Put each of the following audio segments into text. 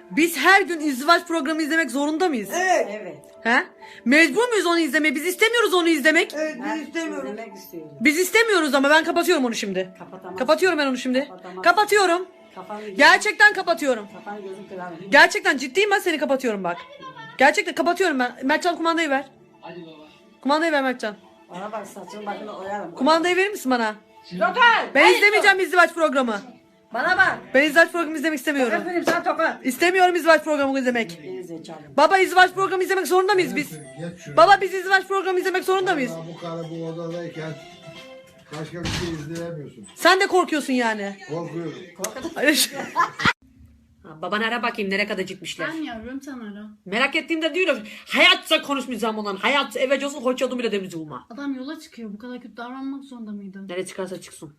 Biz her gün izdivaç programı izlemek zorunda mıyız? Evet. Evet. He? Mecbur muyuz onu izlemeye? Biz istemiyoruz onu izlemek. Evet Ben biz istemiyoruz. izlemek istiyorum. Biz istemiyoruz ama ben kapatıyorum onu şimdi. Kapatamazsın. Kapatıyorum ben onu şimdi. Kapatamazsın. Kapatıyorum. Kafanı Gerçekten kapatıyorum. Kafanı gözün kırarım. Gerçekten ciddiyim, ben seni kapatıyorum bak. Gerçekten kapatıyorum ben. Mertcan, kumandayı ver. Hadi baba. Kumandayı ver Mertcan. Bana bak saçını başını oyarım. Kumandayı verir misin bana? Tokat! Ben izlemeyeceğim izdivaç programı. Bana bak. Ben izdivaç programı izlemek istemiyorum. Efendim sen tokat. İstemiyorum izdivaç programı izlemek. Geri zekalı. Baba, izdivaç programı izlemek zorunda mıyız biz? Geç şuraya. Baba, biz izdivaç programı izlemek zorunda mıyız? Vallahi bu karı bu odadayken başka bir şey izleyemiyorsun. Sen de korkuyorsun yani. Korkuyorum. Baban ara bakayım nereye kadar gitmişler. Ben yavrum sen ara. Merak ettiğimde diyorum. Hayatta konuşmayacağım ondan. Hayat eve olsun hoş bile demeyeceğim ona. Adam yola çıkıyor. Bu kadar kötü davranmak zorunda mıydın? Nereye çıkarsa çıksın.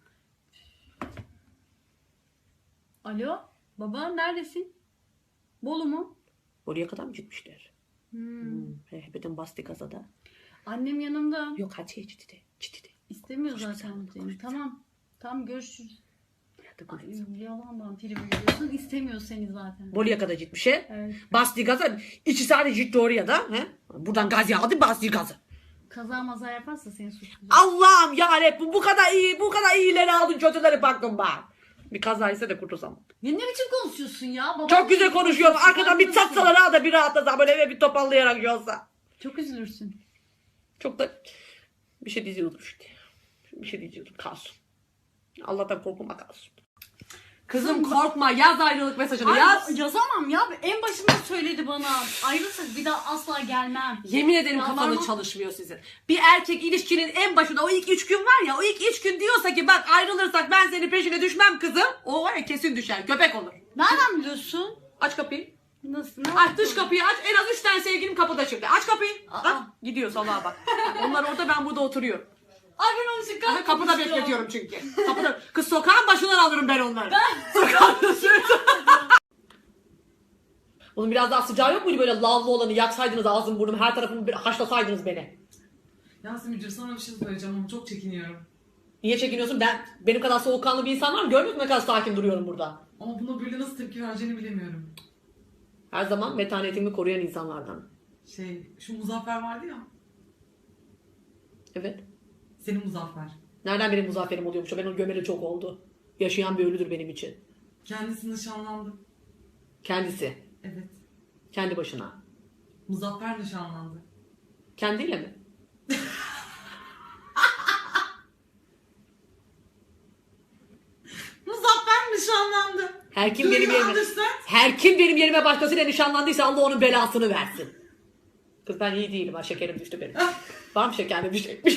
Alo? Baba neredesin? Bolu mu? Oraya kadar mı gitmişler? Hepeden bastı kazada. Annem yanımda. Yok hadi ciddi. İstemiyor zaten seni. Tamam. Tamam görüşürüz. Hadi Ay, konuşalım. yalandan tribe giriyorsun. İstemiyor seni zaten. Bolu'ya kadar gitmiş he. Evet. Bastı gaza. 2 saat gitti oraya da. He? Buradan gaz aldı, bastı gazı. Kaza maza yaparsa seni suçlayacak. Allah'ım yarabbim, bu kadar iyi, bu kadar iyileri aldın, kötüleri baktın bak. Bir kaza ise de kurtulsam. Ya ne biçim konuşuyorsun ya? Babam Çok güzel konuşuyorum. Arkadan bir Üzülürsün. çatsalar ha da bir rahatlasa, böyle eve bir toparlayarak yolsa. Çok üzülürsün. Çok da bir şey diyordum işte. Bir şey diyordum, kalsın. Allah'tan korkma, kalsın. Kızım korkma, yaz ayrılık mesajını Ay, yaz. yazamam ya. En başında söyledi bana. Ayrılsak bir daha asla gelmem. Yemin ederim Ya kafanız var- çalışmıyor sizin. Bir erkek ilişkinin en başında o ilk 3 gün var ya, o ilk 3 gün diyorsa ki bak ayrılırsak ben senin peşine düşmem kızım. O var ya kesin düşer, köpek olur. Nereden biliyorsun? Aç kapıyı. Nasıl? Ne Aç dış kapıyı aç. En az 3 tane sevgilim kapıda şimdi. Aç kapıyı. Aa. Bak gidiyor salağa bak. Onlar orada, ben burada oturuyorum. Ay ben onu çıkarttım. Aha, kapıda bekletiyorum çünkü. Kapıda. Kız sokağın başından alırım ben onları. Sokağın Bunun biraz daha sıcağı yok muydu, böyle lavlı olanı yaksaydınız ağzım burnum her tarafımı bir haşlasaydınız beni. Yasemin'cim sana bir şey söyleyeceğim ama çok çekiniyorum. Niye çekiniyorsun? Benim kadar soğukkanlı bir insan var mı? Görmüyor musun ne kadar sakin duruyorum burada? Ama buna böyle nasıl tepki vereceğini bilemiyorum. Her zaman metanetimi koruyan insanlardan. Şu Muzaffer vardı ya. Evet. Senin Muzaffer. Nereden benim muzafferim oluyormuş? Ben onu gömeli çok oldu. Yaşayan bir ölüdür benim için. Kendisi nişanlandı. Kendisi. Evet. Kendi başına. Muzaffer nişanlandı. Kendiyle mi? Muzaffer nişanlandı. Her kim benim yerime, Understand? her kim benim yerime başkasıyla nişanlandıysa Allah onun belasını versin. Kız ben iyi değilim ha, şekerim düştü benim. Var mı şekerim düşecekmiş?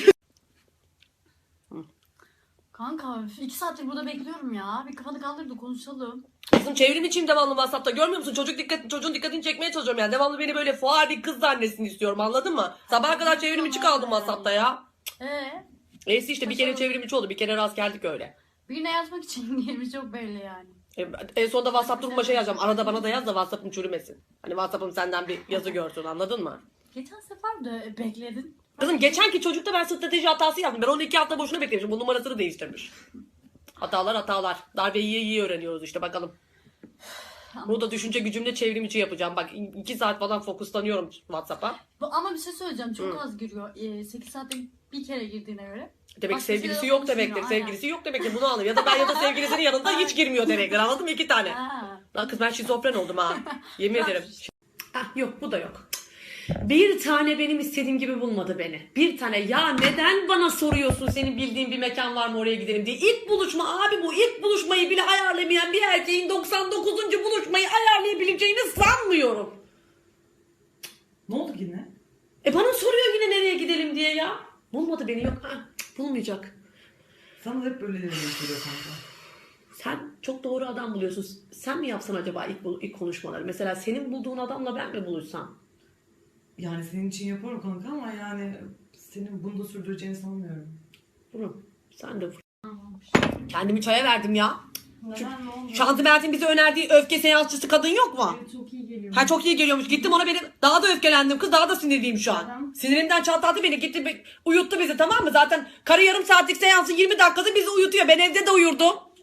Kanka 2 saattir burada bekliyorum ya. Bir kafanı kaldır da konuşalım. Kızım çevrim içiyim devamlı WhatsApp'ta, görmüyor musun? Çocuğun dikkatini çekmeye çalışıyorum yani. Devamlı beni böyle fuar bir kız zannetsin istiyorum, anladın mı? Sabaha kadar çevrim içi kaldım WhatsApp'ta ya. Neyse işte bir kere çevrim içi oldu, bir kere rast geldik öyle. Birine yazmak için niyetimiz çok belli yani. En sonunda WhatsApp duruma şey yazacağım. Arada bana da yaz da WhatsApp'ım çürümesin. Hani WhatsApp'ım senden bir yazı görsün, anladın mı? Geçen sefer de bekledin. Kızım geçenki çocukta ben strateji hatası yaptım. Ben onu 2 hafta boşuna beklemişim. Bu numarasını değiştirmiş. Hatalar. Darbeyi iyi öğreniyoruz işte, bakalım. Bunu da düşünce gücümle çevrim içi yapacağım. Bak 2 saat falan fokuslanıyorum WhatsApp'a. Ama bir şey söyleyeceğim. Çok az giriyor. 8 saatte bir kere girdiğine göre. Demek Başka sevgilisi şeyler yok konuşmuyor, demektir. aynen. Sevgilisi yok demektir. Bunu anlıyorum. Ya da ben ya da sevgilisinin yanında hiç girmiyor demektir. Anladın mı? 2 tane. Ha. Lan kız ben şizofren oldum ha. Yemin ederim. Ah yok, bu da yok. Bir tane benim istediğim gibi bulmadı beni. Bir tane. Ya neden bana soruyorsun, senin bildiğin bir mekan var mı oraya gidelim diye. İlk buluşma abi, bu ilk buluşmayı bile ayarlamayan bir erkeğin 99. buluşmayı ayarlayabileceğini sanmıyorum. Ne oldu yine? Bana soruyor yine nereye gidelim diye ya. Bulmadı beni, yok. Ha, bulmayacak. Sana da hep böyle geliyor kanka. Sen çok doğru adam buluyorsun. Sen mi yapsan acaba ilk konuşmaları? Mesela senin bulduğun adamla ben mi buluşsam? Yani senin için yaparım kanka ama yani senin bunu da sürdüreceğini sanmıyorum. Bunu sen de kendimi çaya verdim ya. Neden ne oldu? Şanti Mert'in bize önerdiği öfke seansçısı kadın yok mu? Evet, çok iyi geliyor. Ha çok iyi geliyormuş. Gittim ona, beni daha da öfkelendim. Kız daha da sinirliyim şu an. Neden? Sinirimden çatladı beni. Gitti uyuttu bizi, tamam mı? Zaten karı yarım saatlik seansın 20 dakikası bizi uyutuyor. Ben evde de uyurdum.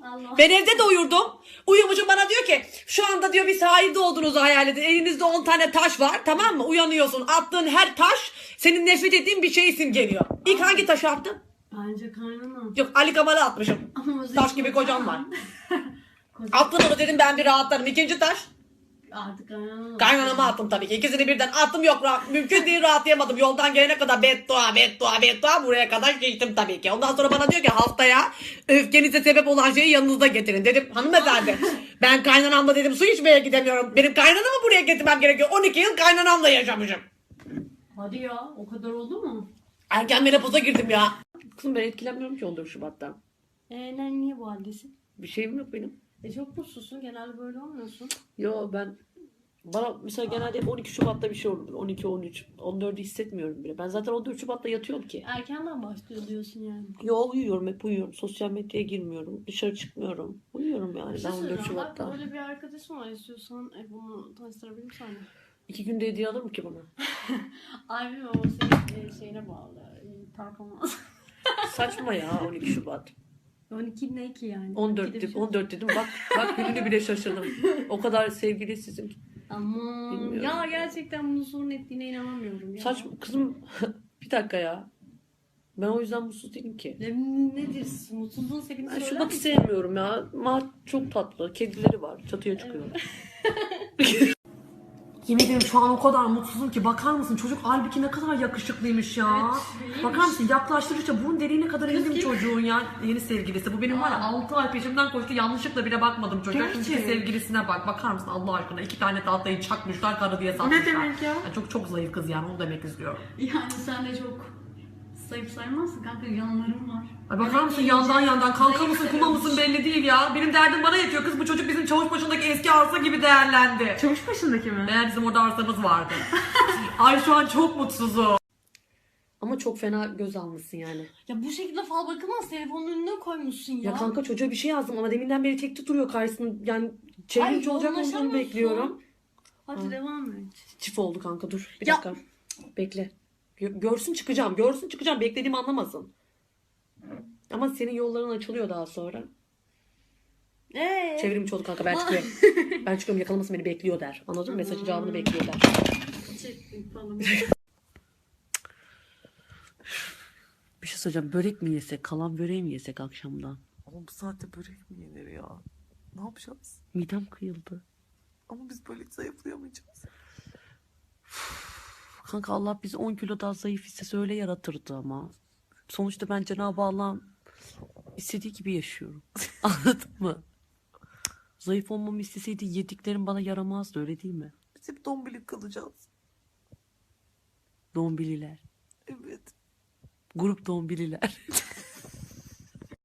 Allah. Ben evde de uyurdum. Uyumuşum, bana diyor ki şu anda diyor bir sahilde olduğunuzu hayal edin. Elinizde 10 tane taş var, tamam mı? Uyanıyorsun. Attığın her taş senin nefret ettiğin bir şeyi simgeliyor. İlk hangi taşı attın? Bence kaynana. Yok, Ali Kemal'e atmışım. Ama o Taş gibi kocam var. Kocam. Attın onu, dedim ben bir rahatlarım. İkinci taş. Artık kaynana. Kaynanama attım tabii ki. İkisini birden attım, yok mümkün değil, rahatlayamadım. Yoldan gelene kadar beddua buraya kadar geçtim tabii ki. Ondan sonra bana diyor ki haftaya öfkenize sebep olan şeyi yanınızda getirin. Dedim hanımefendi ben kaynanamla dedim su içmeye gidemiyorum. Benim kaynanamı buraya getirmem gerekiyor. 12 yıl kaynanamla yaşamışım. Hadi ya, o kadar oldu mu? Erken menopoza girdim ya. Kızım ben etkilenmiyorum ki 14 Şubat'tan. Niye bu haldesin? Bir şeyim yok benim. Çok mutsuzsun, genelde böyle olmuyorsun. Yo bana mesela genelde hep 12 Şubat'ta bir şey olur. 12, 13, 14'ü hissetmiyorum bile. Ben zaten 14 Şubat'ta yatıyorum ki. Erkenden başlıyor diyorsun yani. Yo uyuyorum, hep uyuyorum. Sosyal medyaya girmiyorum. Dışarı çıkmıyorum. Uyuyorum yani Bir ben şey 14 söyleyeceğim, bak Şubat'ta. böyle bir arkadaşım var, istiyorsan bunu tanıştırabilirim sana. 2 günde hediye alır mı ki bana? Ay bilmiyorum, o senin şeyine bağlı. Performans. Saçma ya 12 Şubat. 12 ne ki yani? 14 12'de bir dedim, şey- 14 dedim. Bak gününü bile şaşırdım. O kadar sevgili sizin. Aman Bilmiyorum ya, ya. gerçekten bunu sorun ettiğine inanamıyorum ya. Saçma kızım. Bir dakika ya. Ben o yüzden mutsuz değilim ki. Nedir? Mutsuzluğun sebebini Ben söyler Şubat'ı misin? sevmiyorum ya. Mart çok tatlı. Kedileri var. Çatıya çıkıyor. Yemin ederim şu an o kadar mutsuzum ki, bakar mısın çocuk halbuki ne kadar yakışıklıymış ya. Evet, Bakar mısın yaklaştırdıkça burun deliğine kadar indim çocuğun ya. Yeni sevgilisi. Bu benim var ya 6 ay peşimden koştu, yanlışlıkla bile bakmadım çocuğa. Şimdiki Gerçek. sevgilisine bak. Bakar mısın Allah aşkına, 2 tane tahtayı çakmışlar, karı diye satmışlar. Ne demek ya? Yani çok zayıf kız yani, onu demek istiyorum. Yani sen de çok zayıf saymazsın kanka, yanlarım var. Ay bakar mısın yandan kanka mısın kuma mısın belli değil ya. Benim derdim bana yetiyor kız, bu çocuk bizim Çavuşbaşı'ndaki eski arsa gibi değerlendi. Çavuş başındaki mi? Meğer bizim orada arsamız vardı. Ay şu an çok mutsuzum. Ama çok fena göz almışsın yani. Ya bu şekilde fal bakılmaz, telefonun önüne koymuşsun ya. Ya kanka çocuğa bir şey yazdım ama deminden beri tekte duruyor karşısında. Yani çevrimiçi olacak olduğunu yoğunlaşamıyorsun. bekliyorum. Hadi Ha. devam et. Çift oldu kanka, dur bir Ya. dakika. Bekle. Görsün çıkacağım. Beklediğimi anlamasın. Ama senin yolların açılıyor daha sonra. Çevrimiçi oldu kanka, ben çıkıyorum. Ben çıkıyorum, yakalamasın beni, bekliyor der. Anladın mı? Mesajın cevabını bekliyor der. Çektim falan. Bir şey söyleyeceğim. Börek mi yesek? Kalan böreği mi yesek akşamdan? Ama bu saatte börek mi yenir ya? Ne yapacağız? Midem kıyıldı. Ama biz böyle zayıflayamayacağız. Kanka Allah bizi 10 kilo daha zayıf istese öyle yaratırdı ama. Sonuçta ben Cenab-ı Allah'ın istediği gibi yaşıyorum. Anladın mı? Zayıf olmamı isteseydi yediklerim bana yaramazdı, öyle değil mi? Biz hep dombilik kalacağız. Dombililer. Evet. Grup dombililer.